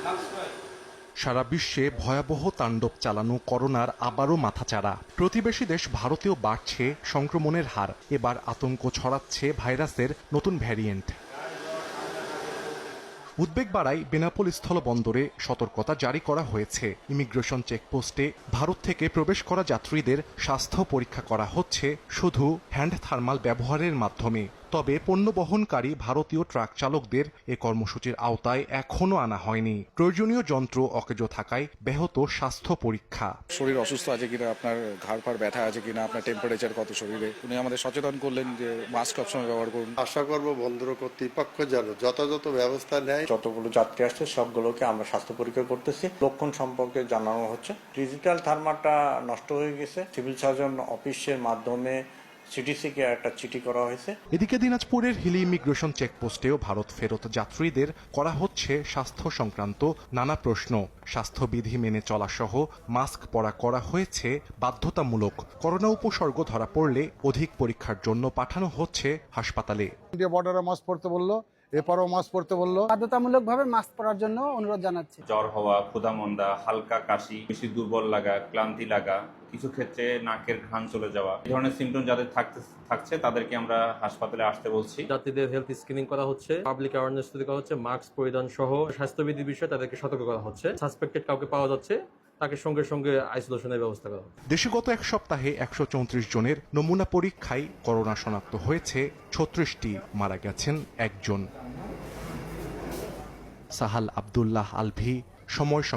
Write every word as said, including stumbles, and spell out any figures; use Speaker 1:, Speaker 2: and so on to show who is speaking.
Speaker 1: সারা বিশ্বে ভয়াবহ তাণ্ডব চালানো করোনার আবারও মাথাচাড়া। প্রতিবেশী দেশ ভারতেও বাড়ছে সংক্রমণের হার। এবার আতঙ্ক ছড়াচ্ছে ভাইরাসের নতুন ভ্যারিয়েন্ট। উদ্বেগ বাড়ায় বেনাপোল স্থলবন্দরে সতর্কতা জারি করা হয়েছে। ইমিগ্রেশন চেকপোস্টে ভারত থেকে প্রবেশ করা যাত্রীদের স্বাস্থ্য পরীক্ষা করা হচ্ছে শুধু হ্যান্ড থার্মাল ব্যবহারের মাধ্যমে। তবে পণ্য বহনকারী ভারতীয় ট্রাক চালকদের এ কর্মসূচির আওতায় এখনও আনা হয়নি। প্রয়োজনীয় যন্ত্র অকেজো থাকায় ব্যাহত স্বাস্থ্য পরীক্ষা।
Speaker 2: শরীর অসুস্থ আছে কিনা, আপনার ঘাড় ফাড় ব্যথা আছে কিনা, আপনার টেম্পারেচার কত শরীরে, উনি আমাদের সচেতন করলেন যে মাস্ক সবসময় ব্যবহার করুন।
Speaker 3: আশা করব বন্দর কর্তৃপক্ষ যেন যথাযথ ব্যবস্থা নেয়।
Speaker 4: যতগুলো যাত্রী আসছে সবগুলোকে আমরা স্বাস্থ্য পরীক্ষা করতেছি। লক্ষণ সম্পর্কে জানানো হচ্ছে। ডিজিটাল থার্মালটা নষ্ট হয়ে গেছে, সিভিল সার্জন অফিসের মাধ্যমে সিটিসিকে একটা চিঠি করা হয়েছে।
Speaker 1: এদিকে দিনাজপুরের হিলি ইমিগ্রেশন চেকপোস্টেও ভারত ফেরত যাত্রীদের করা হচ্ছে স্বাস্থ্য সংক্রান্ত নানা প্রশ্ন। স্বাস্থ্যবিধি মেনে চলা সহ মাস্ক পরা করা হয়েছে বাধ্যতামূলক। করোনা উপসর্গ ধরা পড়লে অধিক পরীক্ষার জন্য পাঠানো হচ্ছে হাসপাতালে।
Speaker 5: ইন্ডিয়া বর্ডারে মাস্ক পরতে বললো, এপারও মাস্ক পরতে বললো।
Speaker 6: বাধ্যতামূলক ভাবে মাস্ক পরার জন্য অনুরোধ জানাচ্ছি।
Speaker 7: জ্বর হওয়া, ক্ষুধামন্দা, হালকা কাশি, বেশি দুর্বল লাগা, ক্লান্তি লাগা, কিছু ক্ষেত্রে নাকের ঘ্রাণ চলে যাওয়া, এই ধরনের সিমটম যাদের থাকতে থাকছে তাদেরকে আমরা হাসপাতালে আসতে বলছি।
Speaker 8: যাত্রীদের হেলথ স্ক্রিনিং করা হচ্ছে, পাবলিক অ্যাওয়ারনেস তৈরি করা হচ্ছে, মাস্ক পরিধান সহ স্বাস্থ্যবিধির বিষয়ে তাদেরকে সতর্ক করা হচ্ছে। সাসপেক্টেড কাউকে পাওয়া যাচ্ছে তাকে সঙ্গে সঙ্গে আইসোলেশনের ব্যবস্থা করা হবে।
Speaker 1: দেশে গত এক সপ্তাহে একশো চৌত্রিশ জনের নমুনা পরীক্ষায় করোনা শনাক্ত হয়েছে ছত্রিশটি, মারা গেছেন একজন। সাহাল আব্দুল্লাহ আলভি, সময়।